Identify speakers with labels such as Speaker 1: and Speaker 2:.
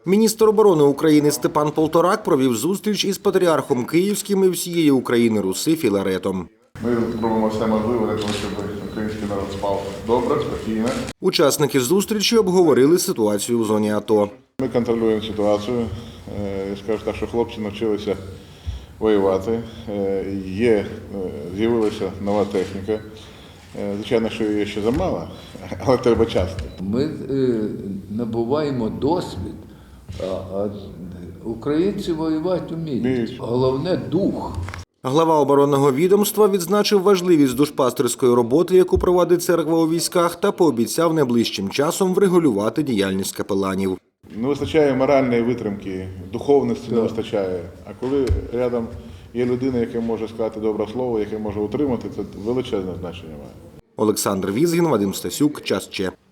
Speaker 1: Міністр оборони України Степан Полторак провів зустріч із патріархом Київським і всієї України Руси Філаретом.
Speaker 2: Ми робимо все можливе для того, щоб український народ спав добре, спокійно.
Speaker 1: Учасники зустрічі обговорили ситуацію в зоні АТО.
Speaker 2: Ми контролюємо ситуацію. Я скажу так, що хлопці навчилися воювати. З'явилася нова техніка. Звичайно, що її ще замало, але треба часто.
Speaker 3: Ми набуваємо досвід, а українці воювати вміють. Головне – дух.
Speaker 1: Глава оборонного відомства відзначив важливість душпастерської роботи, яку проводить церква у військах, та пообіцяв найближчим часом врегулювати діяльність капеланів.
Speaker 2: Не вистачає моральної витримки, духовності не вистачає. А коли рядом є людина, яка може сказати добре слово, яке може утримати, це величезне значення має.
Speaker 1: Олександр Візгін, Вадим Стасюк, Час Че.